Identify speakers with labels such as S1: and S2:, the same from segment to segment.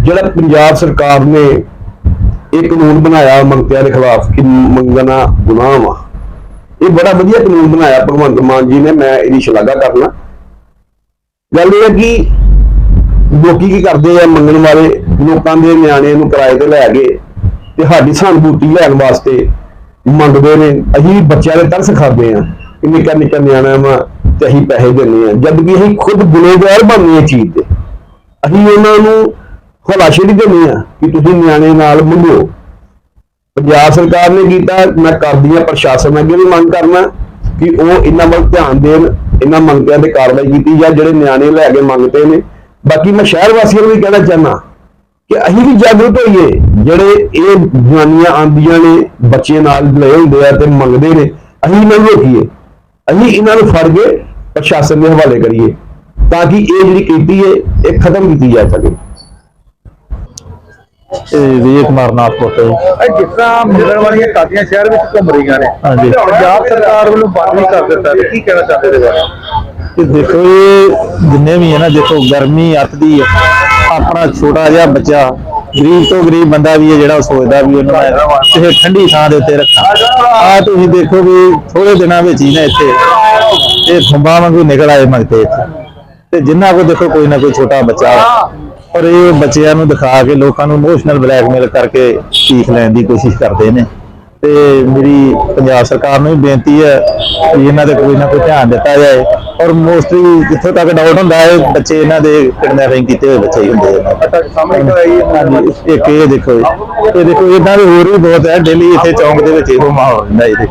S1: ਜਿਹੜਾ ਪੰਜਾਬ ਸਰਕਾਰ ਨੇ ਇਹ ਕਾਨੂੰਨ ਬਣਾਇਆ ਮੰਗਤਿਆਂ ਦੇ ਖਿਲਾਫ ਕਿ ਮੰਗਣਾ ਗੁਨਾਹ ਵਾ, ਇਹ ਬੜਾ ਵਧੀਆ ਕਾਨੂੰਨ ਬਣਾਇਆ ਭਗਵੰਤ ਮਾਨ ਜੀ ਨੇ, ਮੈਂ ਇਹਦੀ ਸ਼ਲਾਘਾ ਕਰਨਾ। ਗੱਲ ਇਹ ਹੈ ਕਿ ਲੋਕੀ ਕੀ ਕਰਦੇ ਆ, ਮੰਗਣ ਵਾਲੇ ਲੋਕਾਂ ਦੇ ਨਿਆਣੇ ਨੂੰ ਕਿਰਾਏ ਤੇ ਲੈ ਗਏ ਤੇ ਸਾਡੀ ਸਹਾਨੁਭੂਤੀ ਲੈਣ ਵਾਸਤੇ ਮੰਗਦੇ ਨੇ। ਅਸੀਂ ਬੱਚਿਆਂ ਦੇ ਤਰਸ ਖਾਂਦੇ ਆ ਕਿ ਨਿੱਕਾ ਨਿੱਕਾ ਨਿਆਣਾ ਵਾ ਤੇ ਅਸੀਂ ਪੈਸੇ ਦਿੰਦੇ ਆ, ਜਦਕਿ ਅਸੀਂ ਖੁਦ ਗੁਨੇਗਾਰ ਬਣਨੇ ਇਹ ਚੀਜ਼ ਤੇ। ਅਸੀਂ ਉਹਨਾਂ ਨੂੰ ਹਲਾਸ਼ੇਰੀ ਦਿੰਦੇ ਆ ਕਿ ਤੁਸੀਂ ਨਿਆਣੇ ਨਾਲ ਮੰਗੋ। ਪੰਜਾਬ ਸਰਕਾਰ ਨੇ ਕੀਤਾ, ਮੈਂ ਕਰਦੀ ਆ ਪ੍ਰਸ਼ਾਸਨ ਅੱਗੇ ਵੀ ਮੰਗ ਕਰਨਾ ਕਿ ਉਹ ਇਹਨਾਂ ਵੱਲ ਧਿਆਨ ਦੇਣ, ਇਹਨਾਂ ਮੰਗਤਿਆਂ ਤੇ ਕਾਰਵਾਈ ਕੀਤੀ ਜਾਂ ਜਿਹੜੇ ਨਿਆਣੇ ਲੈ ਕੇ ਮੰਗਤੇ ਨੇ। ਬਾਕੀ ਮੈਂ ਸ਼ਹਿਰ ਵਾਸੀਆਂ ਨੂੰ ਵੀ ਕਹਿਣਾ ਚਾਹੁੰਦਾ ਕਿ ਅਸੀਂ ਵੀ ਜਾਗਰੂਕ ਹੋਈਏ, ਜਿਹੜੇ ਇਹ ਜਵਾਨੀਆਂ ਆਉਂਦੀਆਂ ਨੇ ਬੱਚੇ ਨਾਲ ਲਏ ਹੁੰਦੇ ਆ ਤੇ ਮੰਗਦੇ ਨੇ, ਅਸੀਂ ਇਹਨਾਂ ਨੂੰ ਰੋਕੀਏ, ਅਸੀਂ ਇਹਨਾਂ ਨੂੰ ਫੜ ਕੇ ਪ੍ਰਸ਼ਾਸਨ ਦੇ ਹਵਾਲੇ ਕਰੀਏ ਤਾਂ ਕਿ ਇਹ ਜਿਹੜੀ ਕੀਤੀ ਹੈ ਇਹ ਖਤਮ ਕੀਤੀ ਜਾ ਸਕੇ।
S2: ਵਿਜੇ ਕੁਮਾਰ ਨਾਥਪੁਰ ਤੋਂ
S3: ਜਿਸ ਤਰ੍ਹਾਂ ਮਿਲਣ ਵਾਲੀਆਂ ਕਾਦੀਆਂ ਸ਼ਹਿਰ ਵਿੱਚ ਘੁੰਮ ਰਹੀਆਂ ਨੇ, ਪੰਜਾਬ ਸਰਕਾਰ ਵੱਲੋਂ ਬੰਦ ਨਹੀਂ ਕਰ ਦਿੱਤਾ, ਕੀ ਕਹਿਣਾ ਚਾਹੁੰਦੇ ਇਹਦੇ ਬਾਰੇ?
S2: ਦੇਖੋ ਇਹ ਜਿੰਨੇ ਵੀ ਹੈ ਨਾ, ਦੇਖੋ ਗਰਮੀ ਅੱਤਦੀ ਹੈ, ਆਪਣਾ ਛੋਟਾ ਜਿਹਾ ਬੱਚਾ ਗਰੀਬ ਤੋਂ ਗਰੀਬ ਬੰਦਾ ਵੀ ਹੈ ਜਿਹੜਾ ਸੋਚਦਾ ਵੀ ਉਹਨੂੰ ਕਿਸੇ ਠੰਡੀ ਥਾਂ ਦੇ ਉੱਤੇ ਰੱਖਾਂ। ਆ ਤੁਸੀਂ ਦੇਖੋ ਵੀ ਥੋੜੇ ਦਿਨਾਂ ਵਿੱਚ ਹੀ ਨਾ ਇੱਥੇ ਇਹ ਖੰਭਾਂ ਵਾਂਗੂ ਨਿਕਲ ਆਏ ਮੰਗਤੇ ਇੱਥੇ, ਤੇ ਜਿੰਨਾ ਕੋ ਦੇਖੋ ਕੋਈ ਨਾ ਕੋਈ ਛੋਟਾ ਬੱਚਾ, ਔਰ ਇਹ ਬੱਚਿਆਂ ਨੂੰ ਦਿਖਾ ਕੇ ਲੋਕਾਂ ਨੂੰ ਇਮੋਸ਼ਨਲ ਬਲੈਕਮੇਲ ਕਰਕੇ ਭੀਖ ਲੈਣ ਦੀ ਕੋਸ਼ਿਸ਼ ਕਰਦੇ ਨੇ। ਤੇ ਮੇਰੀ ਪੰਜਾਬ ਸਰਕਾਰ ਨੂੰ ਵੀ ਬੇਨਤੀ ਹੈ ਕਿ ਇਹਨਾਂ ਤੇ ਕੋਈ ਨਾ ਕੋਈ ਧਿਆਨ ਦਿੱਤਾ ਜਾਏ। ਔਰ ਮੋਸਟਲੀ ਜਿੱਥੋਂ ਤੱਕ ਡਾਊਟ ਹੁੰਦਾ ਹੈ ਬੱਚੇ ਇਹਨਾਂ ਦੇ ਕਿਡਨੈਪਿੰਗ ਕੀਤੇ ਹੋਏ ਬੱਚੇ ਹੀ ਹੁੰਦੇ ਨੇ।
S3: ਸਾਹਮਣੇ ਕਰਾਈ
S2: ਹਾਂਜੀ, ਇੱਕ ਇਹ ਦੇਖੋ ਇਹ ਦੇਖੋ ਇਦਾਂ ਦੇ ਹੋਰ ਵੀ ਬਹੁਤ ਹੈ, ਡੇਲੀ ਇੱਥੇ ਚੌਂਕ ਦੇ ਵਿੱਚ ਇਹੋ ਮਾਹੌਲ ਹੁੰਦਾ ਇਹਦੇ।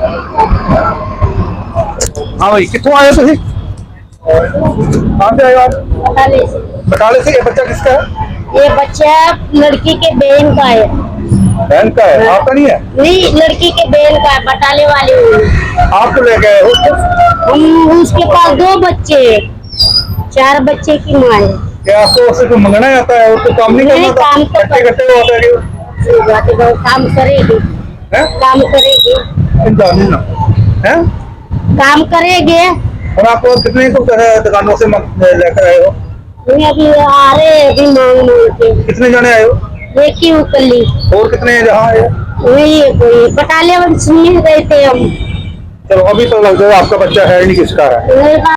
S3: हाँ भाई, कितों आए थे? कहाँ से आए आप? बटाले से। ये बच्चा किसका है?
S4: ये बच्चा लड़की के बहन का है।
S3: बहन का है, आपका नहीं है?
S4: नहीं, लड़की के बहन का है, बटाले वाली हूँ।
S3: आप तो ले गए हो?
S4: हम उसके पास 2 बच्चे हैं, 4 बच्चे की माँ है।
S3: क्या आपको सिर्फ मंगना ही आता है और तो काम नहीं
S4: नहीं,
S3: करना?
S4: काम तो
S3: कट्टे कट्टे होता है
S4: काम करेगी, काम करेगी,
S3: जानी ना है?
S4: काम करेंगे।
S3: और आप कितने को दुकानों से लेकर आए हो?
S4: नहीं, अभी आ रहे हैं, अभी मांग के।
S3: कितने जने आए हो?
S4: एक ही उकली।
S3: और कितने हैं जहाँ आए?
S4: वही है कोई, बटाले में सुन गए थे हम।
S3: चलो अभी तो लग जाए आपका बच्चा है नहीं, किसका है?